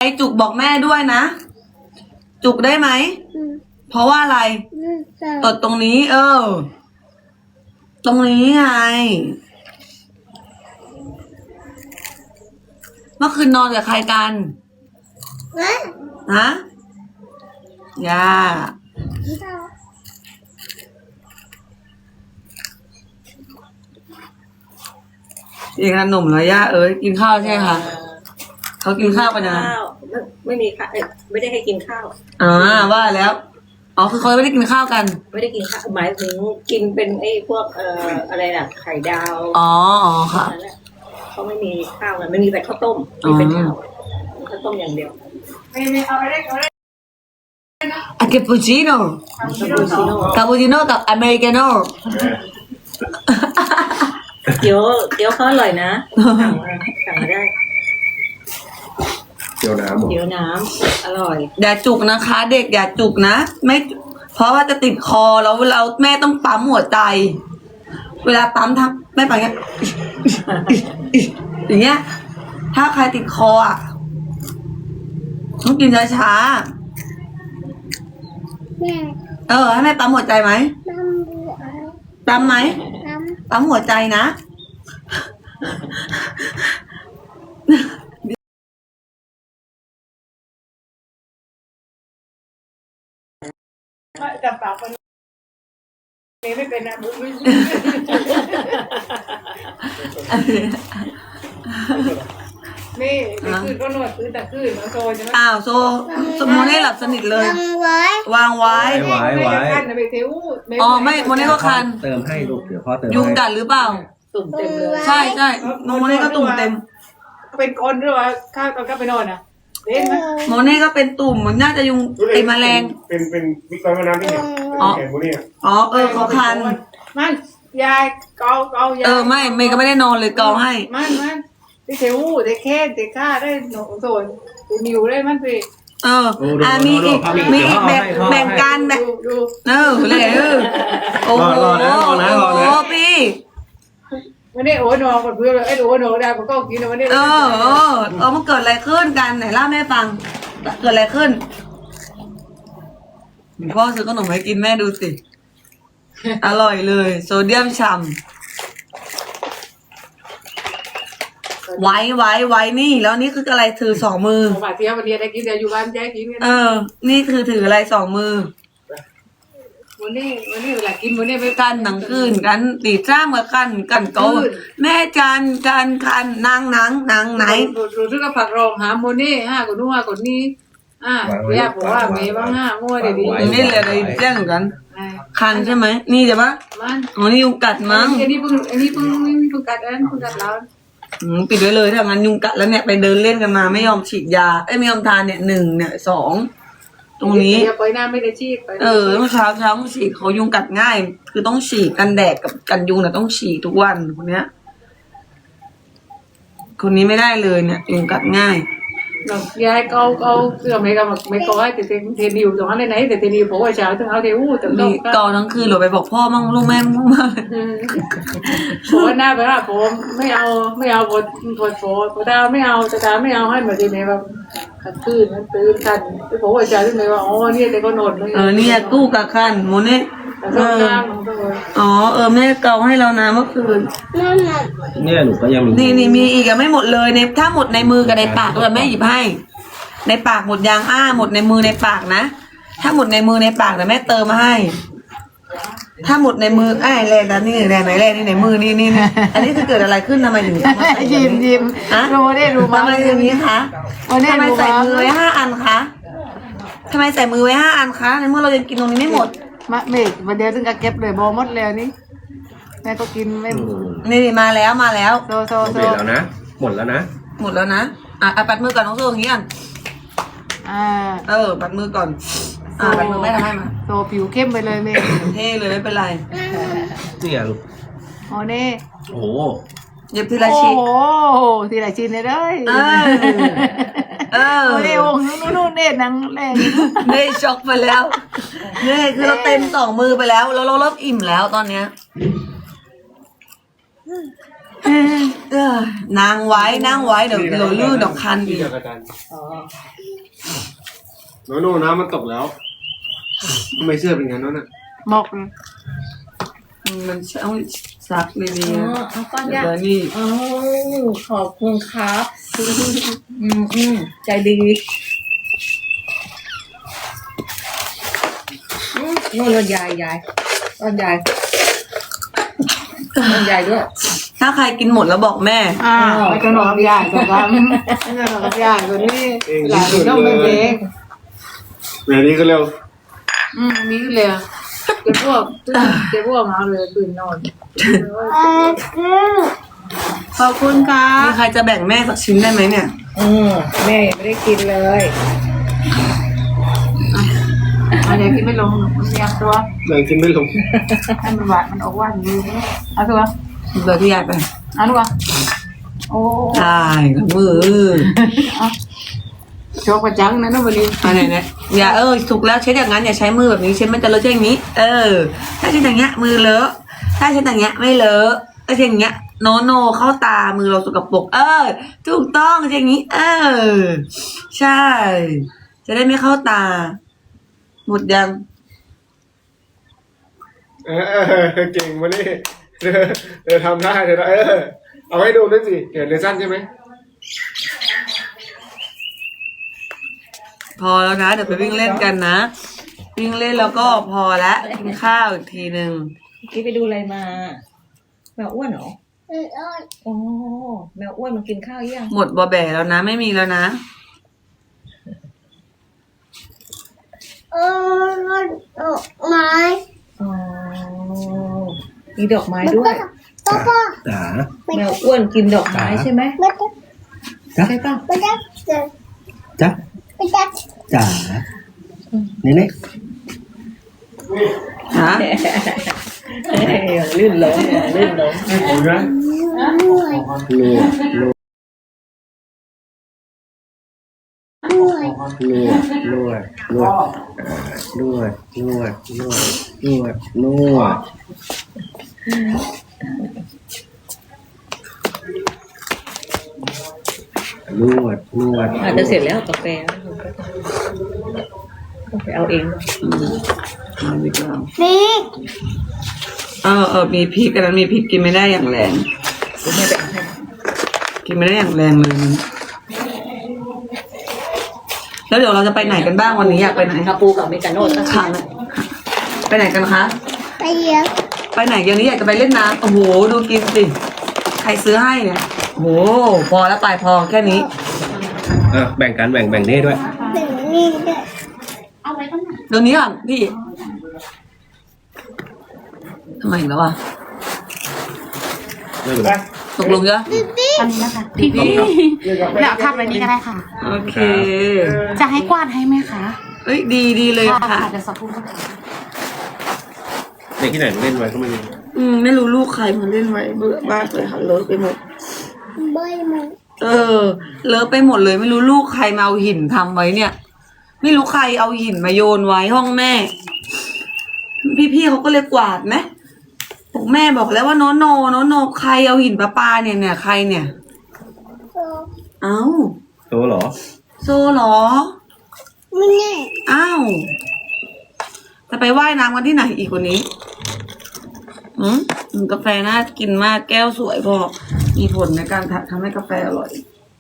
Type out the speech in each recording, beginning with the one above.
จุกบอกแม่ด้วยนะ จุกได้ไหม เพราะว่าอะไรตดตรงนี้ ตรงนี้ไง เมื่อคืนนอนกับใครกันฮะย่ากินขนมแล้วย่ากินข้าวใช่ไหมคะเขากินข้าวกันนะไม่มีค่ะไม่ได้ให้กินข้าวว่าแล้วคือเขาไม่ได้กินข้าวกันไม่ได้กินข้าวหมายถึงกินเป็นไอ้พวกอะไรน่ะไข่ดาวค่ะเขาไม่มีข้าวเลยไม่มีแต่ข้าวต้มไม่เป็นข้าวข้าวต้มอย่างเดียวไม่เอาอะไรอะคาปูชิโน่คาปูชิโน่กับอเมริกาโน่เดี๋ยวเขาอร่อยนะสั่งมาได้เดี๋ยวน้ำเดี๋ยวน้ำอร่อยอย่าจุกนะคะ เด็กอย่าจุกนะไม่เพราะว่าจะติดคอแล้วเราแม่ต้องปั๊มหัวใจ เวลาปั๊มทักแม่ไปอย่างเงี้ยอย่างเงี้ยถ้าใครติดคอต้องกินช้าๆให้แม่ปั๊มหัวใจไหมปั๊มไหมปั๊มหัวใจนะจับปากคนนี้ไม่เป็นนะบุ๊กไม่นี่คืนก็นวดคืนแต่คืนโซใช่ไหมโซโมเน่หลับสนิทเลยวางไว้คันไปเทวไม่โมเน่ก็คันเติมให้ลูกเดี๋ยวพ่อเติมยุงกัดหรือเปล่าตุ่มเต็มเลยใช่โมเน่ก็ตุ่มเต็มเป็นคนหรือว่าข้าวตอนก็ไปนอนโมเน่ก็เป็นตุ่มมันน่าจะยุงไอแมลงเป็นวิกฤตน้ำที่เนี่ยแขนโมเน่เขาคันมันยายเกายายไม่เมย์ก็ไม่ได้นอนเลยเกาให้มันที่เทวูที่แค่ที่ข้าได้หนูโซนที่นิวได้มันไปมีอีกแบ่งกันแบบเลยโอ้โหพี่วันนี้โอ้นอนกับเพื่อนเลยโอ้นอนได้ผมก็กินวันนี้มันเกิดอะไรขึ้นกันไหนเล่าแม่ฟังเกิดอะไรขึ้นพ่อซื้อขนมให้กินแม่ดูสิอร่อยเลยโซเดียมฉ่ำไว้นี่แล้วนี่คืออะไรถือสองมือมาเที่ยววันนี้ได้กินแต่อยู่บ้านแจ๊กินนี่คือถืออะไรสองมือวันนี้เวลากินวันนี้ไปกันหนังคืนกันตีจ้ามกันโตแม่จานคันนางไหนรู้สึกว่าผักรองหาโมเน่คนนู้นคนนี้ย่าบอกว่าเมย์บ้างมั่วเดี๋ยวดีนี่เลยอะไรแจ้งกันคันใช่ไหมนี่จะปะนี่ยุงกัดมั้งอันนี้เพิ่งกัดแล้วปิดไว้เลยถ้างั้นยุงกัดแล้วเนี่ยไปเดินเล่นกันมาไม่ยอมฉีดยาไม่ยอมทานเนี่ย1เนี่ย2ตรงนี้ไปหน้าไม่ได้ฉีดเมื่อเช้าฉีดเขายุงกัดง่ายคือต้องฉีดกันแดดกับกันยุงเนี่ยต้องฉีดทุกวันคนเนี้ยคนนี้ไม่ได้เลยเนี่ยยุงกัดง่ายยายเอาเสื้อไม่ก็ให้แต่เทนิวตรงนั้นไหนแต่เทนิวบอกว่าเช้าถึงเอาเทวูแต่ต้องก่อนทั้งคืนหรือไปบอกพ่อมั่งลูกแม่มั่งบอกว่าหน้าไปว่าผมไม่เอาบทโฟตาไม่เอาตาไม่เอาให้เหมือนเดิมแบบขัดคืนตื่นกันไปบอกว่าเช้าถึงไหนว่าเนี่ยแต่ก็นอนเนี่ยกู้กับคันโมเน่แม่เกาให้เรานะเมื่อคืนเนี่ยหนูก็ยังนี่มีอีกไม่หมดเลยในถ้าหมดในมือกับในปากเราแม่หยิบให้ในปากหมดยางหมดในมือในปากนะถ้าหมดในมือในปากแต่แม่เติมมาให้ถ้าหมดในมือแรงนะนี่แรงไหนแรงนี่ในมือนี่อันนี้คือเกิดอะไรขึ้นทำไมถึงยิ้มรู้ได้รู้ทำไมอย่างนี้คะทำไมใส่มือไว้5 อันคะทำไมใส่มือไว้5 อันคะในเมื่อเรายังกินตรงนี้ไม่หมดเมฆวันเดียวถึงกับเก็บเลยบอหมดแล้วนี่แม่ก็กินไม่นี่มาแล้วโซแล้วนะหมดแล้วนะปัดมือก่อนน้องโซ่อย่างนี้ก่อนปัดมือก่อนปัดมือไม่ทำให้มาโซผิวเข้มไปเลยเมฆเท่เลยไม่เป็นไรนี่ลูกนี่โอ้เย็บทีละชิ้นทีละชิ้นเลยเน่วงนู่นเน่นังแรงเน่ช็อกไปแล้วเน่คือเราเต็ม2 มือไปแล้วเราเริ่มอิ่มแล้วตอนเนี้ยนางไว้นั่งไว้เดี๋ยวลื่นเดี๋ยวคันที่อีกเดียวกับอาจารย์อ๋อโน่น้ำมันตกแล้วทำไมเสื้อเป็นงั้นนั่นน่ะหมกนะมันต้องซักดีอ๋อเอาก้อนๆเดี๋ยายวนี่อ๋อขอบคุณครับใจดีโน่นรถยายรถยายด้วยถ้าใครกินหมดแล้วบอกแม่ไม่ขนมใหญ่แต่ทำไม่ขนมใหญ่กว่านี้หลานต้องเป็นเองแบบนี้ก็เร็วมีเลยเก็บพวกมาเลยตื่นนอนขอบคุณค่ะมีใครจะแบ่งแม่สักชิ้นได้ไหมเนี่ยแม่ยังไม่ได้กินเลยอะไรกินไม่ลงมันเรียงตัวแรงกินไม่ลงให้มันหวานมันออกหวานอยู่เอาตัวเดี๋ยวที่ยายไปเอาลูกโอ้ได้กับมือโชว์ประจังนะน้องบรินอะไรเนี่ยอย่าถูกแล้วเช็ดอย่างนั้นอย่าใช้มือแบบนี้เช็ดมันจะเลอะเช็ดอย่างนี้ ถ้าเช็ดอย่างเงี้ยมือเลอะถ้าเช็ดอย่างเงี้ยไม่เลอะถ้าเช็ดอย่างเงี้ยโนเข้าตามือเราสกปรกถูกต้องเช็ดอย่างนี้ใช่ จะได้ไม่เข้าตา หมดยังเก่งมานี่เธอทำได้เธอเอาให้ดูด้วยสิเกิดเลสั้นใช่ไหมพอแล้วนะเดี๋ยวไปวิ่งเล่นกันนะวิ่งเล่นแล้วก็พอละกินข้าวอีกทีนึงกี้ไปดูอะไรมาแมวอ้วนเหรอโอ้แมวอ้วนมันกินข้าวยังหมดบอแบแล้วนะไม่มีแล้วนะไม้อ๋อมีดอกไม้ด้วยก็ก็จ๋าแมวอ้วนกินดอกไม้ใช่ไหมไม่ได้ใช่ป่ะไม่ได้เจอจ๊ะไม่ได้จ๋านี่นี่ฮะลื่นล้มลื่นล้มดูนะเหนื่อยนัวนัวเหนื่อยนัวนัวนัวนัวนัวนัวนัวนวดอาจจะเสร็จแล้วกาแฟต้องไปเอาเองเอาดีกว่านี่มีพริกอันนั้นมีพริกกินไม่ได้อย่างแรงคุณแม่แบ่งให้กินไม่ได้อย่างแรงเลยนะแล้วเดี๋ยวเราจะไปไหนกันบ้างวันนี้อยากไปไหนคาปูกับอเมริกาโน่ตั้งค่ะไปไหนกันคะไปเยอะไปไหนเดี๋ยวนี้อยากจะไปเล่นน้ำโอ้โหดูกินสิใครซื้อให้เนี่ยโอ้โหพอแล้วไปพอแค่นี้แบ่งกันแบ่งเน่ด้วยถึงนี่ด้วยเดี๋ยวนี้ก่อนพี่ทำไมอีกแล้วอ่ะไม่เป็นไรตกลงจ้ะอันนี้นะคะพี่แล้วทำอะไรนี้ก็ได้ค่ะโอเคจะให้กวาดให้ไหมคะเอ้ยดีเลยค่ะเดี๋ยวสักครู่ก็ได้เด็กที่ไหนเล่นไว้ก็ไม่รู้ไม่รู้ลูกใครมาเล่นไว้เบื่อมากเลยค่ะเลอะไปหมดใบมันเลอะไปหมดเลย ไม่รู้ลูกใครมาเอาหินทำไว้เนี่ย ไม่รู้ใครเอาหินมาโยนไว้ห้องแม่ พี่เขาก็เลยกวาดไหมบอกแม่บอกแล้วว่าโนใครเอาหินปลาเนี่ยใครเนี่ยโซ่เอ้าโตเหรอโซเหรอไม่แน่อ้าวจะไปว่ายน้ำกันที่ไหนอีกวันนี้กาแฟน่ากินมากแก้วสวยพอมีผลในการทำให้กาแฟอร่อย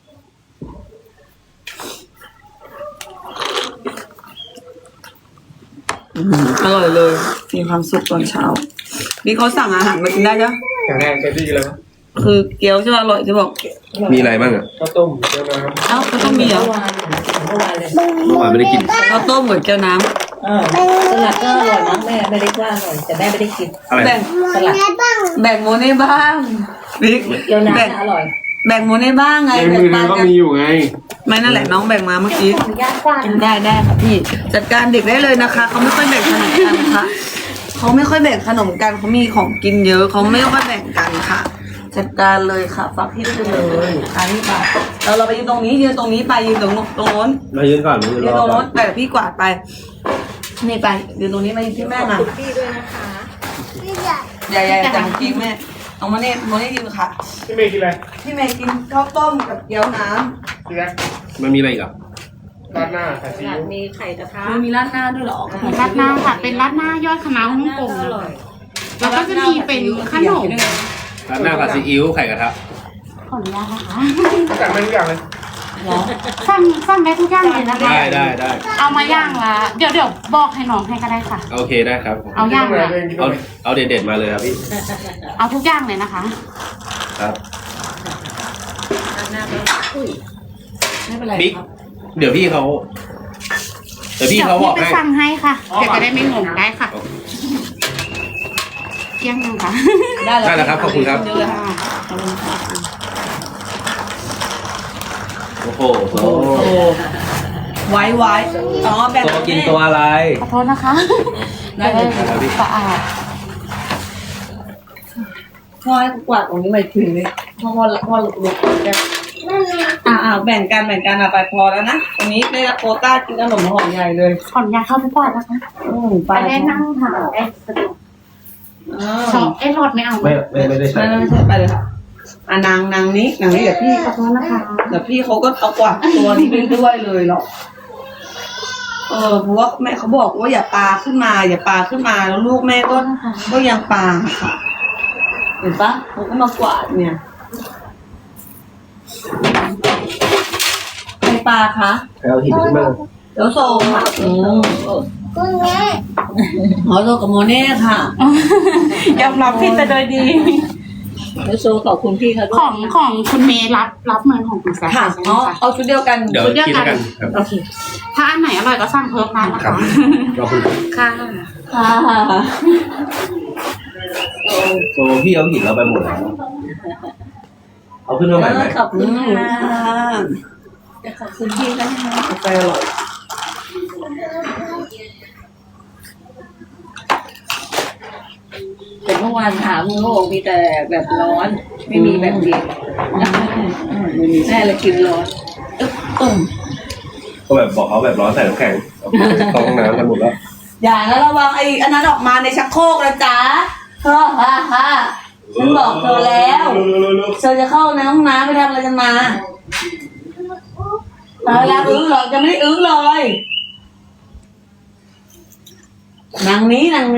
อร่อยเลยมีความสุขตอนเช้านี่เขาสั่งอาหารมากินได้จ้ะแข็งแรงเต็มที่แล้วคือเกี๊ยวใช่ไหมอร่อยที่บอกมีอะไรบ้างอ่ะข้าวต้มเจียวน้ำเอ้าก็ต้องมีเหรอเมื่อวานเลยเมื่อวานไม่ได้กินข้าวต้มกับเกี๊ยวน้สลัดก็อร่อยนะแม่ไม่ได้ว่าอร่อยแต่แม่ไม่ได้กินอะไรำแบ่งมันแน่บ้างแบ่งโมเน่บ้างบิ๊กเกี๊ยวน้ำแบ่งอร่อยแบ่งโมเน่บ้างไงในแบ่มืงอเธปัอน ก็กันมีอยู่ไงไม่นั่นแหละน้องแบ่งมาเมื่อกี้ขออนุญาตกว้างได้ค่ะพี่จัดการเด็กได้เลยนะคะเขาไม่ค่อยแบ่งขนมกันค่ะเขาไม่ค่อยแบ่งขนมกันเขามีของกินเยอะเขาไม่ค่อยแบ่งกันค่ะ จัดการเลยค่ะฝากพี่ไปเลยอันนี้ไปเราไปยืนตรงนี้ยืนตรงนี้ไปยืนตรงโน้นมายืนก่อนมายืนยืรนอตรงก่อโน้นนไปกับพี่กวาดไปนี่ไปยืนตรงนี้มายืนที่แม่มาคุณพี่ด้วยนะคะพี่ใหญ่ใหญ่ๆจังกี้แม่เอามาเนี่ยกินค่ะพี่เมย์กินอะไรพี่เมย์กินข้าวต้มกับเกี๊ยวน้กินอะไรมันมีอะไรอีกอ่ะราดหน้าไข่ซีอิ๊วมีไข่กระทะำมันมีราดหน้าด้วยเหรอราดหน้าค่ะ เป็นราดหน้ายอดคณะฮ่องกงอนะร่อยแล้วก็จะมีเป็นขนมร้านหน้าผัดซีอิ๊วไข่กระทะขออนุญาตนะคะสั่งมาทุกอย่างเลยสั่งได้ทุกอย่างเลยนะคะได้เอามาย่างละเดี๋ยวบอกให้น้องให้ก็ได้ค่ะโอเคได้ครับเอาย่างละเอาเด็ดๆมาเลยครับพี่เอาทุกอย่างเลยนะคะครับไม่เป็นไรบิ๊กครับเดี๋ยวพี่เขาบอกเดี๋ยวพี่ไปให้สั่งให้ค่ะ เดี๋ยวจะได้ไม่งงได้ค่ะเที่ยงยังค่ะได้ได้แล้วครับขอบคุณครับเยอะเลยค่ะขอบคุณค่ะโอ้โหโซโอ้ไว้อ๋อแบ่งโซกินตัวอะไรขอโทษนะคะได้เลยจะได้สะอาดพ่อให้กวาดตรงนี้ไปถึงเลยพ่อลุกแกแบ่งกันไปพอแล้วนะตรงนี้ได้รับโควต้ากินขนมหอมใหญ่เลยขออนุญาตเข้าไปก่อนนะคะไปไปได้นั่งทานได้สะดวกชอบหลอดไม่เอาไม่ได้ใช้ไม่ใช่ไปเลยค่ะนางนี้เดี๋ยวพี่ขอโทษนะคะเดี๋ยวพี่เขาก็เอากวาดตัวนี้ไปด้วยเลยหรอกเพราะว่าแม่เขาบอกว่าอย่าปาขึ้นมาแล้วลูกแม่ก็ยังปาค่ะเห็นปะเขาก็มากวาดเนี่ยใครปาคะเอาหินขึ้นมาเดี๋ยวโซค่ะคุณแม่โซกับโมเน่ค่ะยอมรับผิดแต่โดยดีแล้วโซขอบคุณพี่เขาด้ขวยองคุณเมย์รับเงินของคุณแซคค่ะใช่ไหมอ๋อคะเอาชุดเดียวกันเดี๋ยวกินด้วยกันครับโอเค ถ้าอันไหนอร่อยก็สั่งเพิ่มได้นะครัคะบขอบคุณค่ะค่ะโซพี่เอาหินเราไปหมดแล้วเอาขึ้นมาใหม่ไหมขอบคุณค่ะขอบคุณพี่นะคะกาแฟอร่อยแต่เมื่อวานถามเขาบอกมีแต่แบบร้อน ไม่มีแบบเย็นแม่เลยกินร้อนก็แบบบอกเขาแบบร้อนใส่น้ำแข็งเข้าห้องน้ำกันหมดแล้วอย่านะระวังไอ้อันนั้นออกมาในชักโครกนะจ๊ะฉันบอกเธอแล้วเธอจะเข้าในห้องน้ำไปทำอะไรกันมาแล้วอึ้งหรอกจะไม่ได้อึ้งเลยนางนี้มา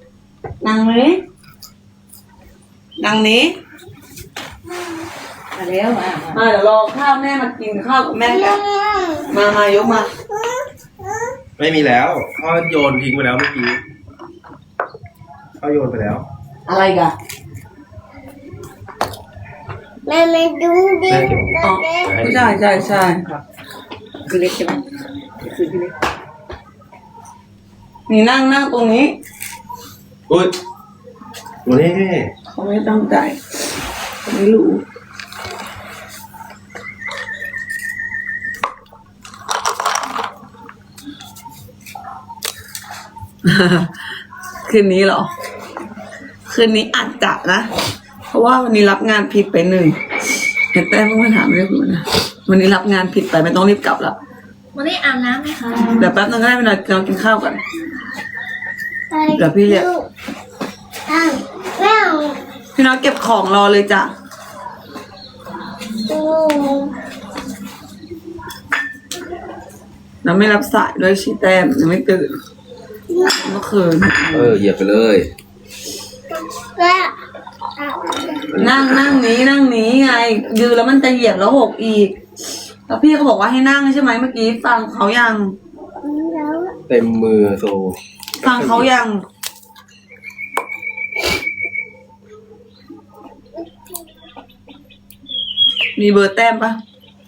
แล้วมาเดี๋ยวรอข้าวแม่มากินข้าวกับแม่กันมายกมาไม่มีแล้วพ่อโยนทิ้งไปแล้วเมื่อกี้พ่อโยนไปแล้วอะไรกันแม่ไม่ดูดิอ๋อใช่คือเล็กใช่ไหมคือพี่เล็กนี่นั่งตรงนี้อุ้ยวันนี้เขาไม่ตั้งใจเขาไม่รู้ คืนนี้เหรอ คืนนี้อาจจะนะ เพราะว่าวันนี้รับงานผิดไป1เห็นแต้มเพิ่งมาถามเรื่องคุณนะวันนี้รับงานผิดไปไม่ต้องรีบกลับละวันนี้อาบน้ำไหมคะเดี๋ยวแป๊บนึงก็ได้ไปนอนกินข้าวกัน เดี๋ยวพี่เรียกแม่พี่น้องเก็บของรอเลยจ้ะดูแล้วไม่รับสายด้วยชีแต้มยังไม่ตื่นเมื่อคืนเหยียบไปเลยแม่นั่งนี้ไงยืนแล้วมันจะเหยียบแล้วหกอีก แล้วพี่เขาบอกว่าให้นั่งใช่ไหมเมื่อกี้ฟังเขายังแล้วเต็มมือโซฟังเขายังมีเบอร์แต้มปะ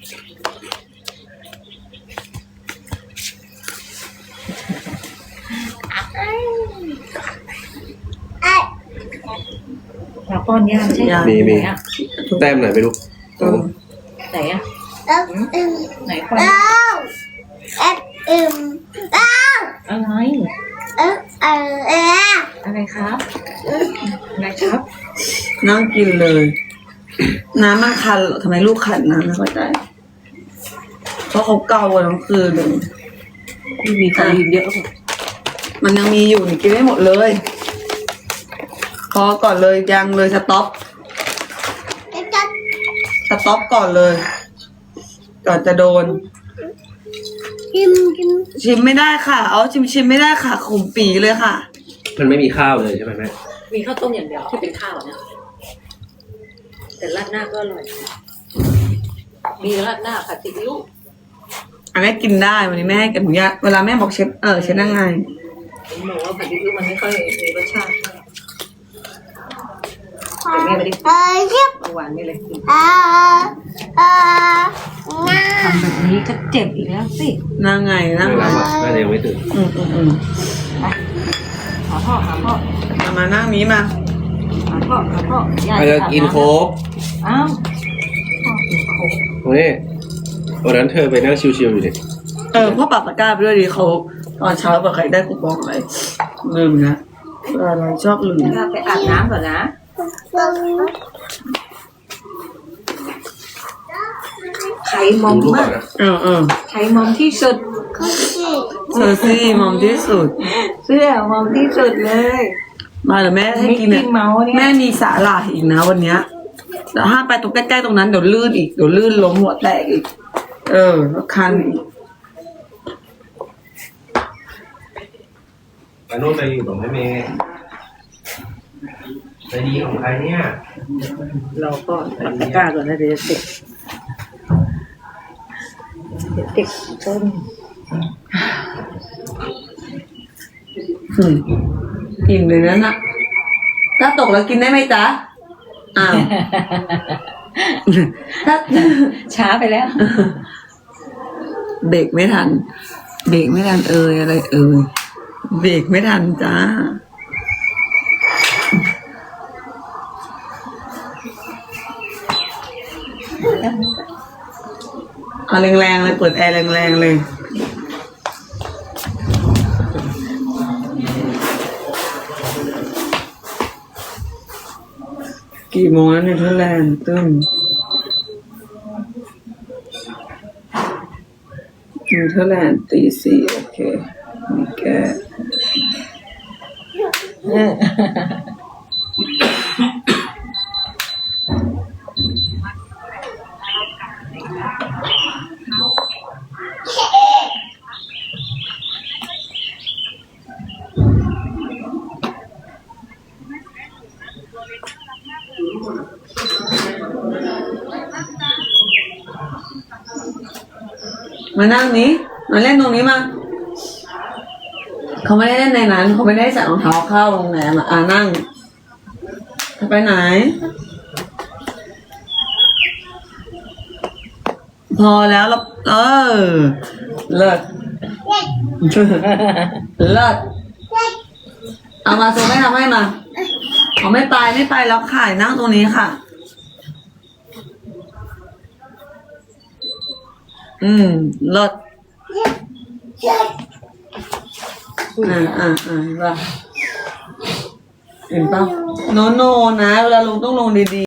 มาป้อนย่างใช่ไหมมีไหนอ่ะแต้มไหนไม่รู้ไหนอ่ะแล้วอึมไหนป้อนแล้วเอ็ดอึมแล้วอะไร อะไรครับอะไรครับนั่งกินเลย น้ำมันคันเหรอทำไมลูกคันน้ำไม่เข้าใจเพราะเขาเกาอะทั้งคืนเลยมีคอลีนเยอะป่ะมันยังมีอยู่นี่กินไม่หมดเลยพอก่อนเลยยังเลยสต็อปสต็อปก่อนเลย ก่อนจะโดนกินกินชิมไม่ได้ค่ะ เอาชิมไม่ได้ค่ะขมปีเลยค่ะมันไม่มีข้าวเลยใช่ไหมแม่มีข้าวต้มอย่างเดียวที่เป็นข้าวนะแต่ราดหน้าก็อร่อย มีราดหน้าผัดซีอิ๊วอันนี้กินได้วันนี้แม่ให้อนุญาตเวลาแม่บอกเชฟเชฟนั่งไงผมบอกว่าผัดซีอิ๊วมันไม่ค่อยมีรสชาติแต่แม่ไม่ได้กินเรียบเมื่อวานนี่เลยกินน้าทำแบบนี้ก็เจ็บอีกแล้วสินั่งไงนั่งไม่ไงรับอ่ะน่าจะยังไม่ตื่นอืมหาพ่อมานั่งนี้มาหาพ่ออาจจะกินโค้กอ้าวตรงนี้วันนั้นเธอไปนั่งชิวๆอยู่ดิพ่อปรับตะกร้าไปด้วยดิเขาตอนเช้าแบบใครได้คูปองอะไรลืมนะอะไรชอบลืมไปอาบน้ำก่อนนะ ใครมอมดูรูปก่มาอนกนะใครมอมที่สุดเซอร์ซี่มอมที่สุดเสื้อมอมที่สุดเลยมาเดี๋ยวแม่ให้กินมิกกี้เมาส์เนี่ยแม่มีสาหร่ายอีกนะวันเนี้ยแต่ห้ามไปตรงใกล้ๆตรงนั้นเดี๋ยวลื่นอีกเดี๋ยวลื่นล้มหัวแตกอีกแล้วคันอีกไปโน่นไปอยู่กับแม่เมย์ใจดีของใครเนี่ยเราก็ปัดตะกร้าก่อนนะเดี๋ยวจะติดต้นกินเลยนั่นน่ะถ้าตกแล้วกินได้ไหมจ๊ะอ้าวถ้าช้าไปแล้วเบรกไม่ทันอะไรเบรกไม่ทันจ้าเอาแรงๆเลยเปิดแอร์แรงๆเลยกี่โมงแล้วเนเธอร์แลนด์ตึ้มเนเธอร์แลนด์ตี 4โอเคมีแกมานั่งนี้มาเล่นตรงนี้มาเขาไม่ได้เล่นในนั้นเขาไม่ได้ใส่รองเท้าเข้าโรงแรมนั่งจะไปไหน พอแล้วเราเลิศเลิศเอามาโซไม่ทำให้มาเอาไม่ไปแล้วค่ะนั่งตรงนี้ค่ะเลิศเห็นป่ะโนนะเวลาลงต้องลงดีๆ